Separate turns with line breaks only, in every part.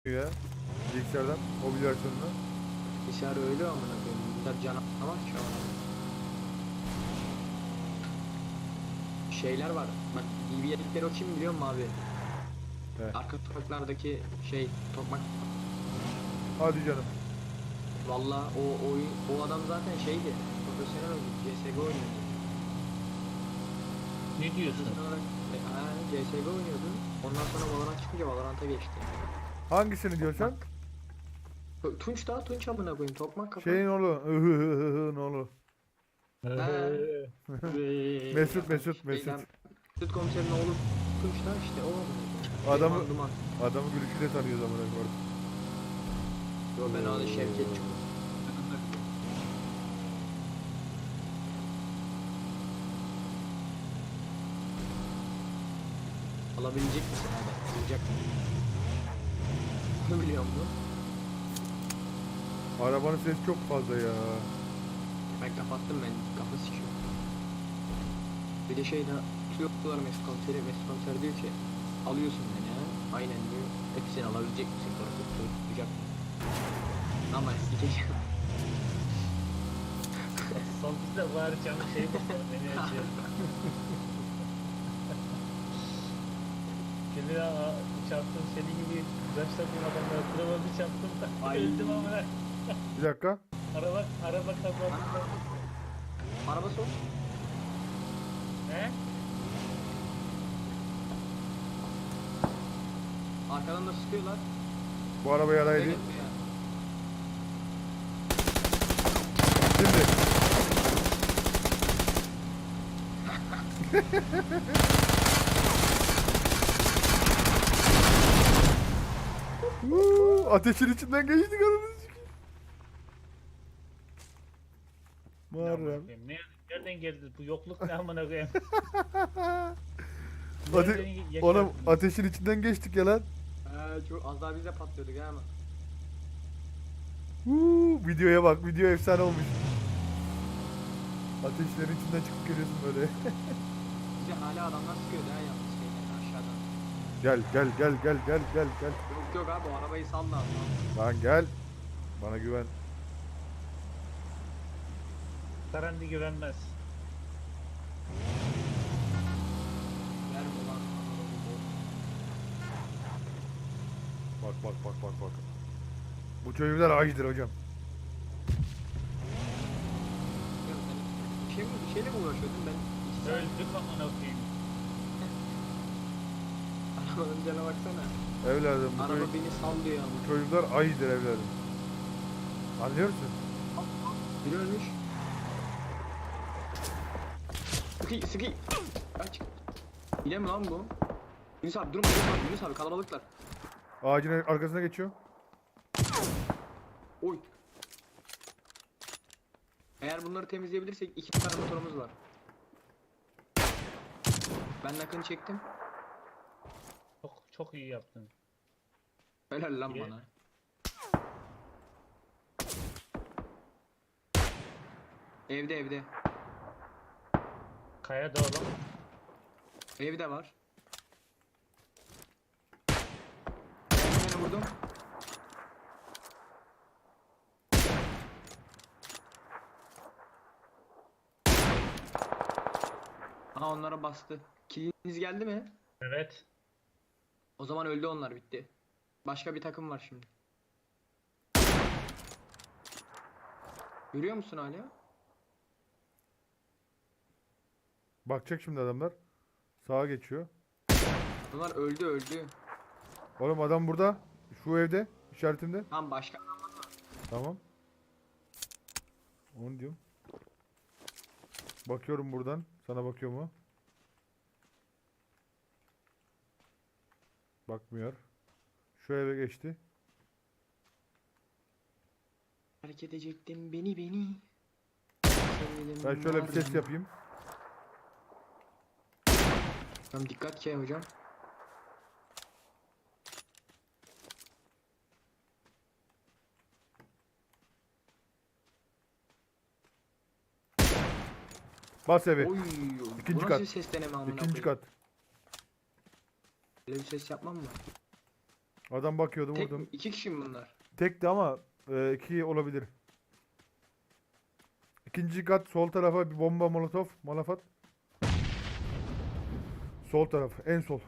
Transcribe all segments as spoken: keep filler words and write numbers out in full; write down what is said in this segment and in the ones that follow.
ya. Bilgisayardan, mobil versiyonuna.
Bilgisayar öyle amına koyayım. Bilgisayar canavar ki ama. Şeyler var. Bak D V D'likleri o kim biliyor musun abi?
He.
Arka sokaklardaki şey tokmak.
Hadi canım.
Valla o oyun o adam zaten şeydi. Profesyonel oyuncu. C S G O oynuyordu.
Ne diyorsun?
Profesyonel olarak e, ha, C S G O oynuyordu. Ondan sonra Valorant çıkınca Valorant'a geçti.
Hangisini diyorsan?
Tu- Tunç da Tunç amına koyayım. Tokmak kafa.
Şeyin oğlu. Ihıhıhıhın oğlu.
He.
Mesut, Mesut, Mesut.
Şeyden- Mesut komiserin oğlu Tunç da işte o amına koyayım.
Adamı,
Duman, duman.
adamı gülüşüyle tanıyoruz amına koyayım.
Yo ben adı Şevket Çukur. Alabilecek misin abi? Alacak mı? Bunu biliyor musun?
Arabanın sesi çok fazla ya.
Ben kapattım ben. Kafa sikiyor. Bir de şey daha tutuyorlar Mesut komiseri. Mesut komiser diyor ki alıyorsun beni ha. Aynen diyor. Hepsini alabilecek misin? Sonra tutacak mı? Ama sikeceğim.
Son bizde var canım şey bakıyor. Beni acıyor. Kendine aa, çarptım senin gibi başladığım adamlara kıramadı çarptım da
Ay.
öldüm ama
Bir dakika.
araba araba kazandı.
Araba sok.
He?
Arkadan da sıkıyorlar.
Bu araba yaraydı.
Evet ya.
Şimdi. Uuu, ateşin içinden geçtik ananı sikeyim. Muharrem.
Ne, nereden geldi bu yokluk ne amına koyayım?
Ate
Nereden yaşadın?
oğlum ateşin içinden geçtik ya lan.
Ee, çok az daha biz de patlıyorduk ha ama.
Uuu, videoya bak, video efsane olmuş. Ateşlerin içinden çıkıp geliyorsun böyle.
Bize hala adamlar sıkıyordu ha yalnız şeyden aşağıdan.
Gel gel gel gel gel gel gel.
Yok yok abi o arabayı salla abi.
Lan gel. Bana güven.
Tarandi güvenmez.
Ver mi lan?
Bak bak bak bak bak. Bu çocuklar acıdır hocam.
Ya sen Bir şey mi, bir şeyle mi uğraşıyordun ben? İki saat
Öldük amına koyayım.
arabanın cana baksana.
Evladım bu,
Araba
çocuk-
beni sallıyor ya.
bu çocuklar ayıdır evladım. Anlıyor musun?
Biri ölmüş. Sıkı sıkı. Kaç. Hile mi lan bu? Yunus abi durma Yunus abi Yunus abi kalabalıklar.
Ağacın arkasına geçiyor.
Oy. Eğer bunları temizleyebilirsek iki tane motorumuz var. Ben nakını çektim.
Çok çok iyi yaptın.
Helal lan
İyi.
bana. Evde evde.
Kaya da oğlum.
Evde var. Ben seni vurdum. Aha onlara bastı. Kiliniz geldi mi?
Evet.
O zaman öldü onlar bitti. Başka bir takım var şimdi. Görüyor musun hala?
Bakacak şimdi adamlar. Sağa geçiyor.
Bunlar öldü öldü.
Oğlum adam burada. Şu evde. İşaretimde.
Tamam başka.
Tamam. Onu diyorum. Bakıyorum buradan. Sana bakıyor mu? Bakmıyor. Şu eve geçti.
Fark edecektim beni beni.
Ben şöyle bir ses yapayım.
Tamam dikkat ki hocam.
Bas evi.
Oy,
İkinci
bu nasıl
kat.
bir ses deneme amına
İkinci
koyayım?
kat.
Böyle bir ses yapmam mı?
Adam bakıyordu,
Tek mi?
vurdum.
İki kişi mi bunlar?
Tekti ama e, iki olabilir. İkinci kat sol tarafa bir bomba molotof. Malafat. Sol taraf. En sol.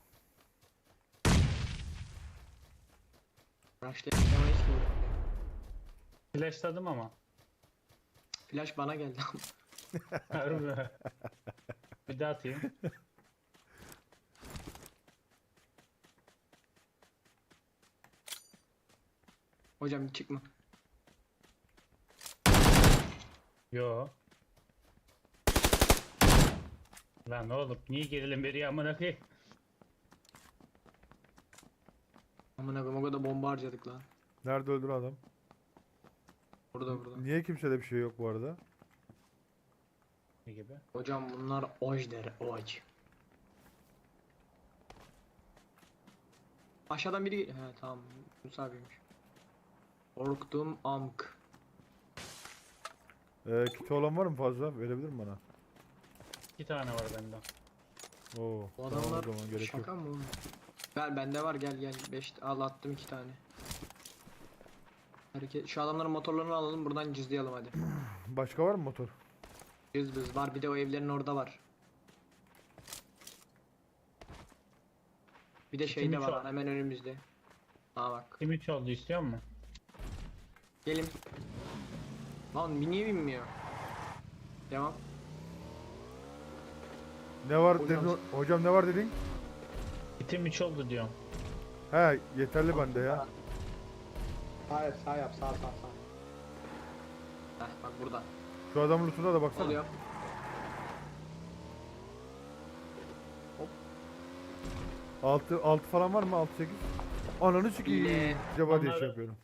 Rushlayamayız ki.
Flashladım ama.
Flash bana geldi.
Harbi. Bir daha atayım.
Hocam çıkma.
Yo. Lan oğlum niye gerilim veriyor amına koyayım?
Aman abim o kadar bomba harcadık lan.
Nerede öldür adam?
Burada burada.
Niye kimsede bir şey yok bu arada?
Ne gibi?
Hocam bunlar oj der oj. Aşağıdan biri geliyor. He tamam. Musa abiymiş. Korktum amk.
Ee, kiti olan var mı fazla? Verebilir mi bana?
İki tane var bende.
Oo.
Bu
Tamam, o
adamlar
zaman gerek yok.
şaka mı oğlum? Gel bende var gel gel. Beş al attım iki tane. Hareket. Şu adamların motorlarını alalım buradan cızlayalım hadi.
Başka var mı motor?
Cız bız var bir de o evlerin orada var. Bir de şey de
Kimin
var
şu
lan
an?
hemen önümüzde. Aa bak.
Kim üç oldu istiyor musun?
Gelin. Lan bir niye binmiyor? Devam.
Ne var
Hocam-
dedin? Hocam ne var dedin?
Kitim üç oldu diyorum.
He, yeterli bende ya.
Sağ yap sağ yap sağ sağ sağ. Heh bak burada.
Şu adamın lootuna da baksana.
Oluyor.
Altı, altı falan var mı? Altı sekiz. Ananı sikeyim.
İle.
Acaba diye
Onları-
şey yapıyorum.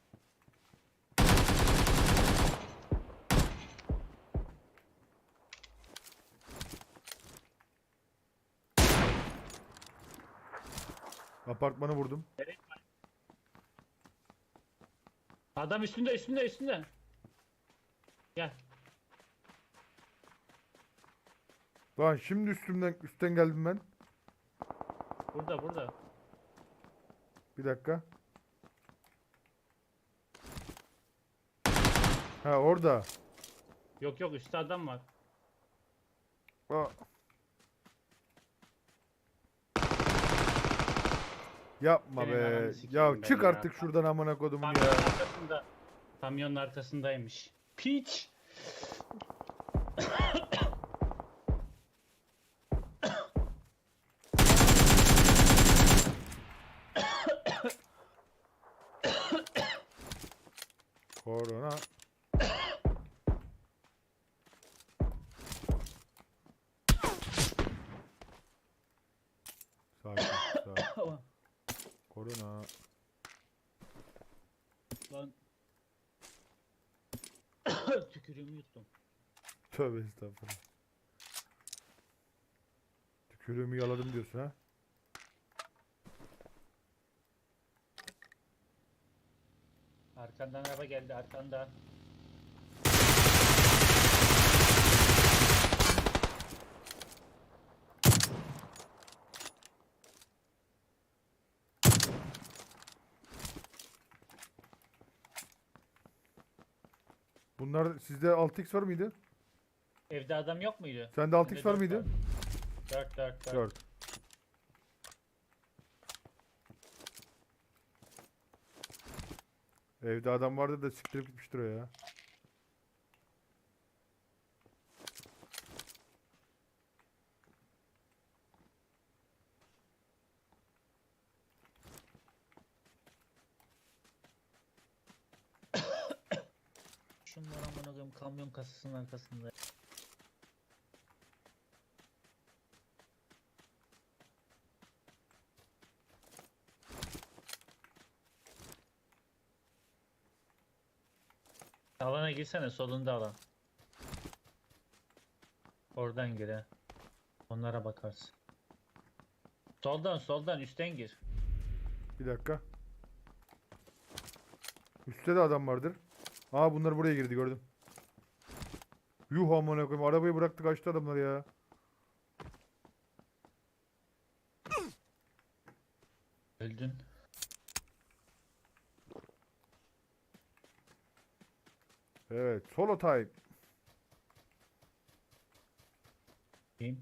Apartmanı vurdum.
Adam üstünde üstünde üstünde. Gel.
Lan şimdi üstümden üstten geldim ben.
Burada burada.
Bir dakika. Ha orada.
Yok yok üstte adam var.
Aa. Yapma
Senin
be.
ananı sikeyim
Ya
ben
çık
ya.
artık şuradan amına kodumun
Kamyonun
ya.
arkasında. Kamyonun arkasındaymış. Piç.
Korona. Sakin, sakin. Korona.
Lan. Tükürüğümü yuttum.
Tövbe estağfurullah. Tükürüğümü yaladım diyorsun ha?
Arkandan araba geldi arkanda.
Bunlar sizde altı x var mıydı?
Evde adam yok muydu?
Sende altı x
Bende
var
dört
mıydı?
dört dört dört.
dört. Evde adam vardı da siktirip gitmiştir o ya.
Şunlar amına koyayım kamyon kasasının arkasında. Alana girsene solunda alan. Oradan gir ha. Onlara bakarsın. Soldan soldan üstten gir.
Bir dakika. Üstte de adam vardır. Aa bunlar buraya girdi gördüm. Yuh amına koyayım arabayı bıraktı kaçtı adamlar ya.
Öldün.
Evet, solo time.
Kim?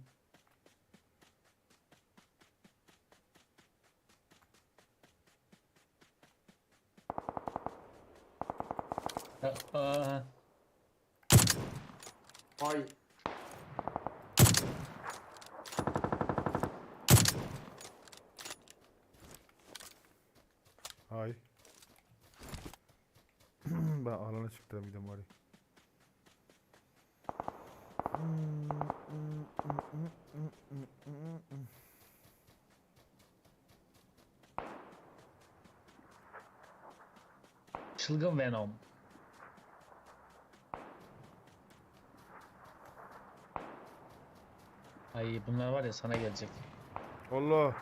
Aa,
Ay.
Hay. Ben alana çıktım bir de bari.
çılgın Venom. Ay bunlar var ya sana gelecek.
Allah.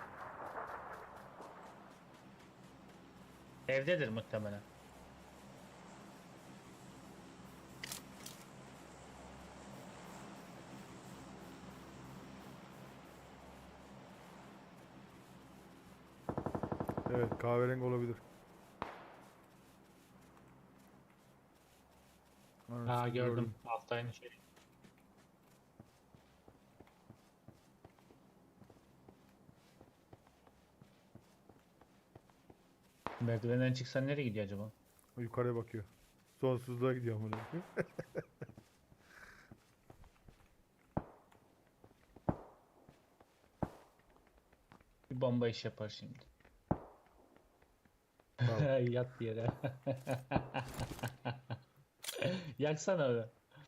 Evdedir muhtemelen.
Evet, kahverengi olabilir.
Ha
Anasını
gördüm. Altta aynı şey. Merdivenden çıksan nereye gidiyor acaba?
Yukarıya bakıyor. Sonsuzluğa gidiyor amına koyayım.
Bir bomba iş yapar şimdi.
Tamam.
Yat yere. Yaksana onu.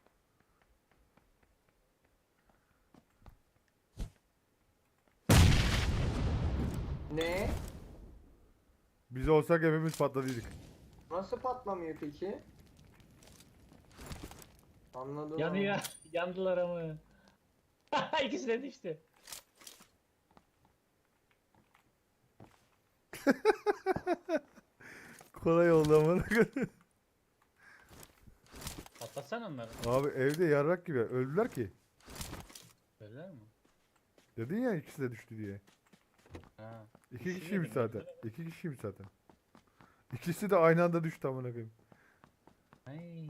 Ne?
Biz olsak hepimiz patladıydık.
Nasıl patlamıyor peki? Anladım.
Yanıyor. Yandılar ama. İkisi de düştü.
Kolay oldu amına koyayım.
Patlatsana onları.
Abi evde yarrak gibi öldüler ki.
Öyle mi?
Dedin ya ikisi de düştü diye.
Ha.
İki
Düştü
kişiymiş
dedim,
zaten.
öldüler.
İki kişiymiş zaten. İkisi de aynı anda düştü amına koyayım.
Ay.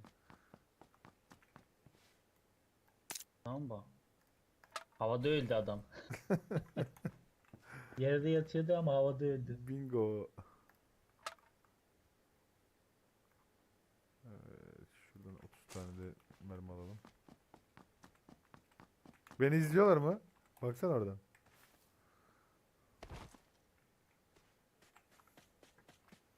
Tamam bu. Havada öldü adam. Yerde yatıyordu ama havada öldü.
Bingo. Evet, şuradan otuz tane de mermi alalım. Beni izliyorlar mı? Baksana oradan.